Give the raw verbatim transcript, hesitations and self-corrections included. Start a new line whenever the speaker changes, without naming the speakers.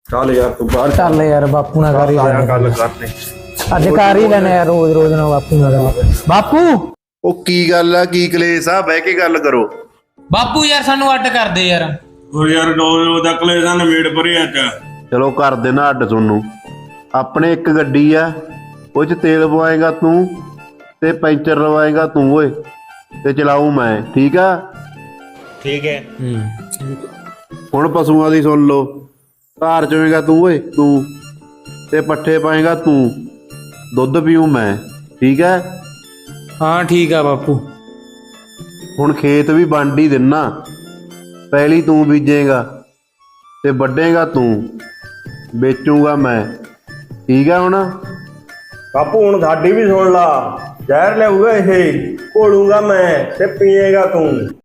ਚੱਲ ਯਾਰ ਤੂੰ ਬਾਹਰ
ਚੱਲ ਯਾਰ ਬਾਪੂ ਨਾਲ ਕਰ ਹੀ
ਆਇਆ
ਲੈਣੇ
ਗੱਲ ਕਰਨੇ
ਅੱਜ ਕਰ ਹੀ ਲੈਣੇ ਯਾਰ ਰੋਜ਼ ਰੋਜ਼ ਨਾਲ ਬਾਪੂ ਨਾਲ ਗੱਲ। ਬਾਪੂ
ਉਹ ਕੀ ਗੱਲ ਆ, ਕੀ ਕਲੇਸ਼ ਆ? ਬਹਿ ਕੇ ਗੱਲ ਕਰੋ।
ਬਾਪੂ ਯਾਰ ਸਾਨੂੰ ਅੱਡ ਕਰ ਦੇ ਯਾਰ।
ਉਹ ਯਾਰ ਰੋਜ਼ ਰੋਜ਼ ਦਾ ਕਲੇਸ਼ਾਂ ਨਵੇੜ ਪਰੇ ਅੱਜ।
ਚਲੋ ਕਰ ਦੇਣਾ ਅੱਡ ਤੁਹਾਨੂੰ। ਆਪਣੇ ਇੱਕ ਗੱਡੀ ਆ, ਉਹ 'ਚ ਤੇਲ ਪਵਾਏਗਾ ਤੂੰ ਤੇ ਪੈਂਚਰ ਲਵਾਏਗਾ ਤੂੰ ਓਏ, ਤੇ ਚਲਾਊ ਮੈਂ। ਠੀਕ ਆ?
ਠੀਕ ਹੈ।
ਹੁਣ ਪਸ਼ੂਆਂ ਦੀ ਸੁਣ ਲਓ। ਧਾਰ ਚੋਏਗਾ ਤੂੰ ਓਏ ਤੂੰ, ਤੇ ਪੱਠੇ ਪਾਏਗਾ ਤੂੰ, ਦੁੱਧ ਪੀਊ ਮੈਂ। ਠੀਕ ਹੈ?
ਹਾਂ ਠੀਕ ਆ ਬਾਪੂ।
ਹੁਣ ਖੇਤ ਵੀ ਵੰਡ ਹੀ ਦਿੰਨਾ। ਪਹਿਲੀ ਤੂੰ ਬੀਜੇਗਾ ਤੇ ਵੱਢੇਗਾ ਤੂੰ, ਵੇਚੂਗਾ ਮੈਂ। ਠੀਕ ਆ? ਹੁਣ
ਬਾਪੂ ਹੁਣ ਸਾਡੀ ਵੀ ਸੁਣ ਲਾ। ਜ਼ਹਿਰ ਲਿਆਊਗਾ ਇਹ, ਘੋਲੂਗਾ ਮੈਂ ਤੇ ਪੀਏਗਾ ਤੂੰ।